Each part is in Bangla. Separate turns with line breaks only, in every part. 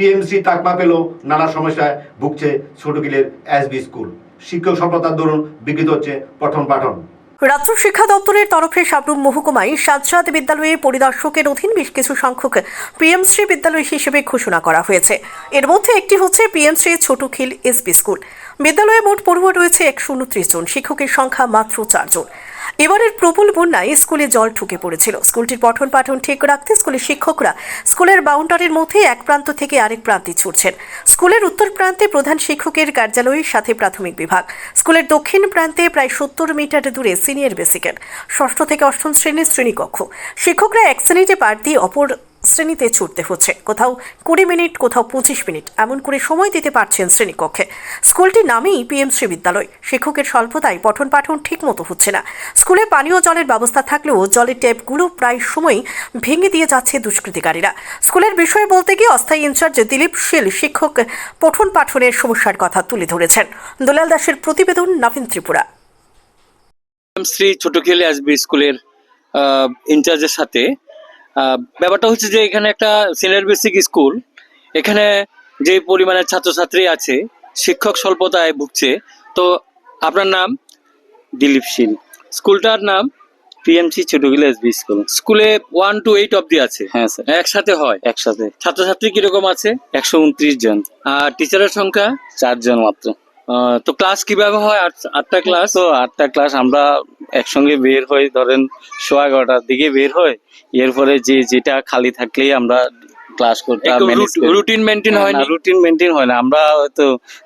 পিএমসি তাকমা পেল, নানা সমস্যায় ভুগছে ছোটকিলের এসবি স্কুল। শিক্ষক স্বল্পতার দরুন বিকৃত হচ্ছে পঠন পাঠন।
রাজ্য শিক্ষা দপ্তরের তরফে সাবরুম মহকুমায় সাজ্জাদ বিদ্যালয়ে পরিদর্শকের অধীন বেশ কিছু সংখ্যক পিএমশ্রী বিদ্যালয় হিসেবে ঘোষণা করা হয়েছে। এর মধ্যে একটি হচ্ছে পিএমশ্রী ছোটখিল এসবি স্কুল। বিদ্যালয়ে মোট পড়ুয়া রয়েছে 129 জন, শিক্ষকের সংখ্যা মাত্র 4 জন। এবারের প্রবল বন্যায় স্কুলে জল ঢুকে পড়েছিল। স্কুলটির পঠন পাঠন ঠিক রাখতে স্কুলের শিক্ষকরা স্কুলের বাউন্ডারির মধ্যে এক প্রান্ত থেকে আরেক প্রান্তে ছুটছেন। স্কুলের উত্তর প্রান্তে প্রধান শিক্ষকের কার্যালয়ের সাথে প্রাথমিক বিভাগ, স্কুলের দক্ষিণ প্রান্তে প্রায় 70 মিটার দূরে সিনিয়র বেসিকের 6ষ্ঠ থেকে 8ম শ্রেণীর শ্রেণীকক্ষ। শিক্ষকরা এক শ্রেণীতে পার দিয়ে অপর শ্রেণীতে ছুটতে হচ্ছে। কোথাও 20 মিনিট, কোথাও 25 মিনিট এমন করে সময় দিতে পারছেন শ্রেণীকক্ষে। স্কুলটির নামেই পিএমশ্রী বিদ্যালয়। শিক্ষকের স্বল্পতায় পঠন পাঠন ঠিক মতো হচ্ছে না। স্কুলে পানীয় জলের ব্যবস্থা থাকলেও জলের ট্যাপগুলো প্রায় সময় ভেঙে দিয়ে যাচ্ছে দুষ্কৃতিকারীরা। স্কুলের বিষয়ে বলতে গিয়ে অস্থায়ী ইনচার্জ দিলীপ শীল শিক্ষক পঠন পাঠনের সমস্যার কথা তুলে ধরেছেন। দুলাল দাসের প্রতিবেদন, নবীন ত্রিপুরা।
শ্রী ছোটখিল এসবি স্কুলের ইনচার্জের সাথে ব্যাপারটা হচ্ছে যে এখানে একটা সিনিয়র বেসিক স্কুল, এখানে যে পরিমাণে ছাত্রছাত্রী আছে, শিক্ষক স্বল্পতায় ভুগছে। তো আপনার নাম?
দিলীপ শীল।
স্কুলটার নাম?
PMC Chhotakhil SB school.
স্কুলে 1 to 8 অব্দি আছে?
হ্যাঁ স্যার,
একসাথে হয়?
একসাথে।
ছাত্রছাত্রী কিরকম আছে?
129 জন।
আর টিচারের সংখ্যা?
4 জন মাত্র।
তো ক্লাস কিভাবে হয়? 8টা ক্লাস?
তো 8টা ক্লাস আমরা একসঙ্গে বের হই, ধরেন 11:15টার দিকে বের হই। এরপরে যেটা খালি থাকলেই আমরা ক্লাস করতে
রুটিন মেনটেন হয় না?
রুটিন মেনটেন হয় না। আমরা হয়তো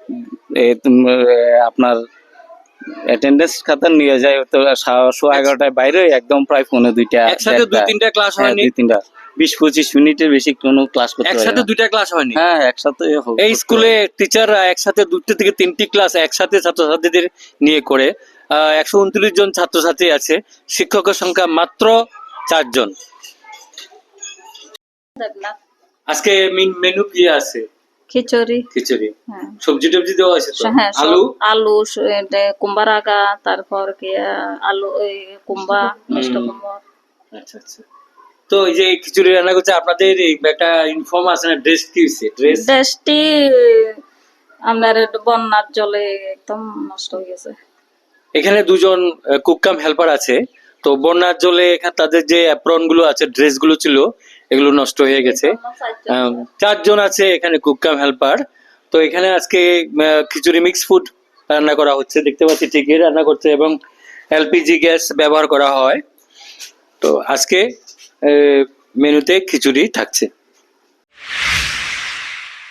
আপনার অ্যাটেন্ডেন্স খাতা নিয়ে যাই, তো 11:15টায় বাইরে একদম প্রায় 1:45টা।
একসাথে 2-3টা ক্লাস হয়নি?
2-3টা 20-25 মিনিটের বেশি কোনো ক্লাস করতে হয় না।
একসাথে 2টা ক্লাস হয়নি?
হ্যাঁ, একসাথে।
এই স্কুলে টিচাররা একসাথে 2 থেকে 3টি ক্লাস একসাথে ছাত্রছাত্রীদের নিয়ে করে। 129 জন ছাত্রছাত্রী আছে, শিক্ষকের সংখ্যা মাত্র 4 জন। আজকে মেনু কি আছে?
খিচুড়ি।
খিচুড়ি,
হ্যাঁ।
সবজি টবজি দেওয়া আছে তো?
হ্যাঁ,
আলু
আলু, কুমড়া আগা, তারপর কি আলু, কুমড়া, মিষ্টি কুমড়া।
আচ্ছা আচ্ছা। তো এই যে খিচুড়ি রান্না করছে, আপনাদের একটা ইনফর্ম আছে না? ড্রেস কি হয়েছে?
ড্রেসটি আপনার বন্যার জলে একদম নষ্ট হয়ে গেছে।
এখানে 2 জন কুক কাম হেল্পার আছে। তো বন্যার জলে এখানে তাদের যে অ্যাপ্রন গুলো আছে, ড্রেস গুলো ছিল, এগুলো নষ্ট হয়ে গেছে। 4 জন আছে এখানে কুক কাম হেল্পার। তো এখানে আজকে খিচুড়ি মিক্স ফুড রান্না করা হচ্ছে, দেখতে পাচ্ছি ঠিকই রান্না করছে, এবং এলপিজি গ্যাস ব্যবহার করা হয়। তো আজকে মেনুতে খিচুড়ি থাকছে।